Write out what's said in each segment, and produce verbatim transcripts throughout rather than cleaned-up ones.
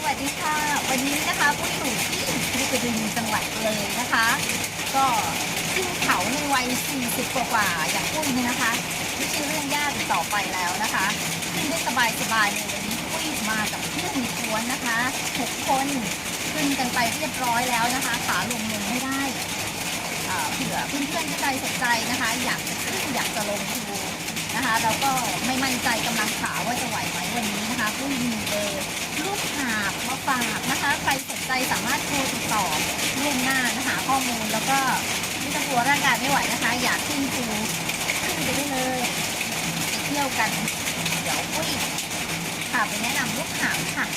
วัสดีค่ะวันนี้นะคะปุ้ยอยู่ที่ภูกระดึงจังหวัดเลยนะคะ ก็ขึ้นเขาในวัยสี่สิบกว่าๆอย่างปุ้ยเนี่ยนะคะไม่ใช่เรื่องยากอีกต่อไปแล้วนะคะขึ้นได้สบายๆเลยวันนี้ปุ้ยมากับเพื่อนในกวนนะคะหกคนขึ้นกันไปเรียบร้อยแล้วนะคะขาลงลงไม่ได้เผื่อเพื่อนๆที่ใจสนใจนะคะอยากจะขึ้นอยากจะลงดูนะคะเราก็ไม่มั่นใจกำลังขาว่าจะไหวไหมวันนี้นะคะปุ้ยมีเบอร์ลูกหาบมาฝากนะคะใครสนใจสามารถโทรติดต่อล่วงหน้านะคะข้อมูลแล้วก็ไม่ต้องกลัวร่างกายไม่ไหวนะคะอยากขึ้นภูขึ้นไปได้เลยไปเที่ยวกันเดี๋ยวปุ้ยพาไปแนะนำลูกหาบค่ะ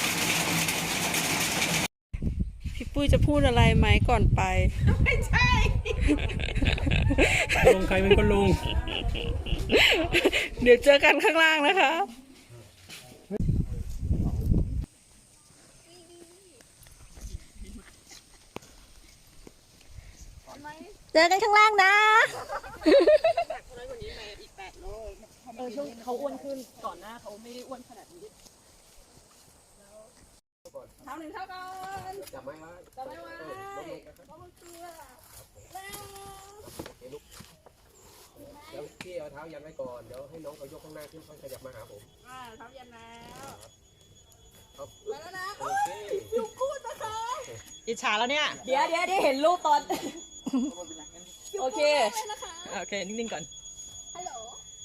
พี่ปุ้ยจะพูดอะไรไหมก่อนไปไม่ใช่ลงใครเป็นคนลงเดี๋ยวเจอกันข้างล่างนะคะเจอกันข้างล่างนะเออช่วงเขาอ้วนขึ้นก่อนหน้าเขาไม่ได้อ้วนขนาดนี้เท้าหนึ่งเท้าก่อนจับไม้ไว้จับไม้ไว้ล้มตัวเดี๋ยวพี่เอาเท้ายันไว้ก่อนเดี๋ยวให้น้องเขายกข้างหน้าขึ้นค่อยขยับมาหาผมอ่าเท้ายันแล้วมาแล้วนะโอเคอยู่คู่นะคะอิจฉาแล้วเนี่ยเดี๋ยวเดี๋ยวได้เห็นรูปตอนโอเคโอเคนิ่งๆก่อนฮัลโหล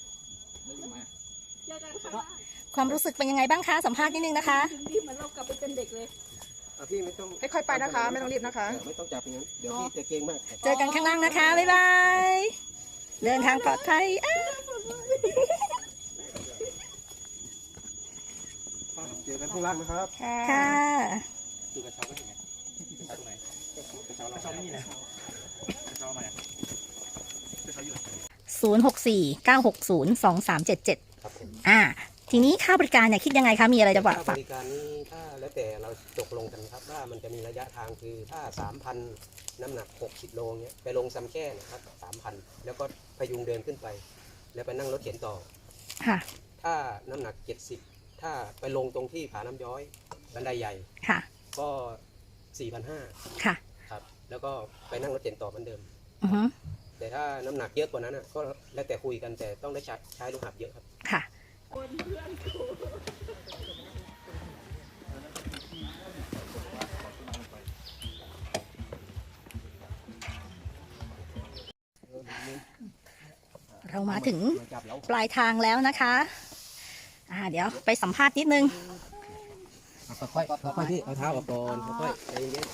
ความรู้สึกเป็นยังไงบ้างคะสัมภาษณ์นิดนึงนะคะรีบเหมือนเรากลับไปเป็นเด็กเลยพี่ไม่ต้องค่อยๆไปนะคะไม่ต้องรีบนะคะไม่ต้องจับอย่างนั้นเดี๋ยวพี่จะเก่งมากเจอกันข้างล่างนะคะบ๊ายบายเดินทางปลอดภัยเจอกันข้างล่างนะครับค่ะดูกระเช้าก็ถึงไงกระเช้าตรงไหนกระเช้าเรากระเช้าไม่มีนะกระเช้ามากระเช้าอยู่ศูนย์หกสี่เก้าหกศูนย์สองสามเจ็ดเจ็ดอ่าทีนี้ค่าบริการเนี่ยคิดยังไงคะมีอะไรจะบอกค่าบริการนี้ถ้าแล้วแต่เราตกลงกันครับว่ามันจะมีระยะทางคือถ้าสามพันน้ำหนักหกสิบโลเงี้ยไปลงซ้ำแค่นะครับสามพันแล้วก็พยุงเดินขึ้นไปแล้วไปนั่งรถเข็นต่อค่ะถ้าน้ำหนักเจ็ดสิบถ้าไปลงตรงที่ผาน้ำย้อยบันไดใหญ่ค่ะก็สี่พันห้าค่ะครับแล้วก็ไปนั่งรถเข็นต่อเหมือนเดิมอือฮึแต่ถ้าน้ำหนักเยอะกว่านั้นก็แล้วแต่คุยกันแต่ต้องได้ใช้ใช้ลูกหาบเยอะครับค่ะเรามาถึงปลายทางแล้วนะคะอ่าเดี๋ยวไปสัมภาษณ์นิดนึงค่อยๆค่อยๆที่เอาเท้าออกก่อนค่อยๆใจเย็น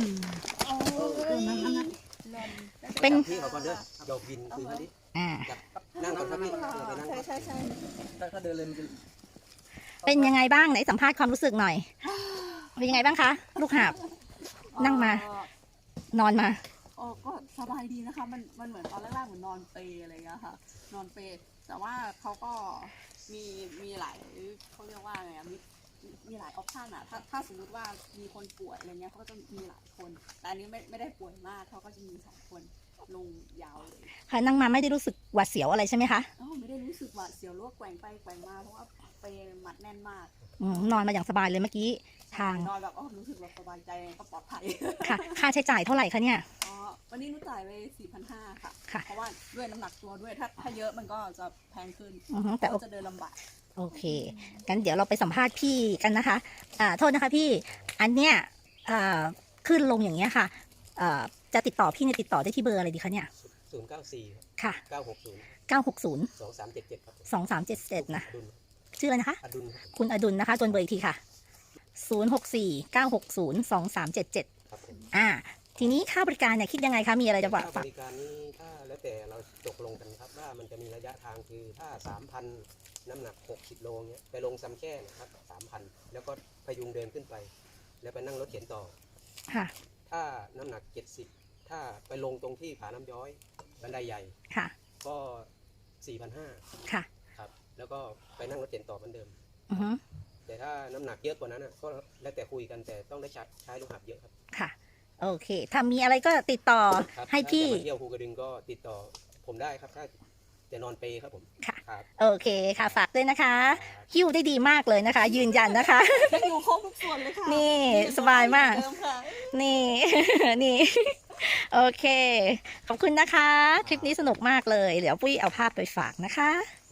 ๆเป็นพี่เอาก่อนเด้อดอกบินคือท่านี้อ่านั่งก่อนครับพี่ไปนั่งใช่ใช่ใช่ถ้าเดินเลยมันจะเป็นยังไงบ้างไหนสัมภาษณ์ความรู้สึกหน่อยเป็นยังไงบ้างคะลูกหาบนั่งมานอนมาอ๋อก็สบายดีนะคะมันมันเหมือนตอนแรกๆเหมือนนอนเปอะไรอย่างเงี้ยค่ะนอนเปแต่ว่าเขาก็มีมีหลายเขาเรียกว่าไงมีมีหลายออปชันอะถ้าถ้าสมมติว่ามีคนป่วยอะไรเงี้ยเขาก็จะมีหลายคนแต่อันนี้ไม่ไม่ได้ป่วยมากเขาก็จะมีสองคนลงยาวเลยค่ะนั่งมาไม่ได้รู้สึกหวาดเสียวอะไรใช่ไหมคะอ๋อไม่ได้รู้สึกหวาดเสียวหรือว่าแกว่งไปแกว่งมาเพราะว่าไปมัดแน่นมากนอนมาอย่างสบายเลยเมื่อกี้ทางนอนแบบอ๋อรู้สึกแบบสบายใจก็ปลอดภัยค่ะค่าใช้จ่ายเท่าไหร่คะเนี่ยอ๋อวันนี้นุ้จ่ายไปสี่พันห้าค่ะเพราะว่าด้วยน้ำหนักตัวด้วยถ้าถ้าเยอะมันก็จะแพงขึ้นแต่จะเดินลำบากโอเคงั้นเดี๋ยวเราไปสัมภาษณ์พี่กันนะคะอ่าโทษนะคะพี่อันเนี้ยอ่าขึ้นลงอย่างเงี้ยค่ะอ่าจะติดต่อพี่เนี่ยติดต่อได้ที่เบอร์อะไรดีคะเนี่ยศูนย์เก้าสี่ค่ะเก้าหกศูนย์เก้าหกศูนย์สองสามเจ็ดเจ็ดครับสองสามเจ็ดเจ็ดนะชื่ออะไรนะคะอดุลคุณอดุลนะคะจนเบอร์อีกทีค่ะศูนย์หกสี่เก้าหกศูนย์สองสามเจ็ดเจ็ดอ่าทีนี้ค่าบริการเนี่ยคิดยังไงคะมีอะไรจะบอกค่าบริการนี้ถ้าแล้วแต่เราตกลงกันครับว่ามันจะมีระยะทางคือถ้าสามพันน้ำหนักหกสิบโลเงี้ยไปลงซ้ำแค่นะครับสามพันแล้วก็พยุงเดินขึ้นไปแล้วไปนั่งรถเข็นต่อค่ะถ้าน้ำหนักเจ็ดสิบถ้าไปลงตรงที่ผาน้ำย้อยบันไดใหญ่ค่ะก็สี่พันห้าค่ะครับแล้วก็ไปนั่งรถเข็นต่อเหมือนเดิมอือฮึแต่ถ้าน้ำหนักเยอะกว่านั้นก็แล้วแต่คุยกันแต่ต้องได้ใช้ใช้ลูกหาบเยอะครับค่ะโอเคถ้ามีอะไรก็ติดต่อให้พี่ถ้าจะมาเที่ยวภูกระดึงก็ติดต่อผมได้ครับถ้าจะนอนเปครับผมค่ะครับโอเคค่ะฝากด้วยนะคะหิ้วได้ดีมากเลยนะคะ ยืนยันนะคะอยู่ครบทุกส่วนเลยค่ะนี่สบายมากเหอนเดิค่ะนี่ นี่ โอเค ขอบคุณนะคะ คลิปนี้สนุกมากเลย เดี๋ยวปุ้ยเอาภาพไปฝากนะคะ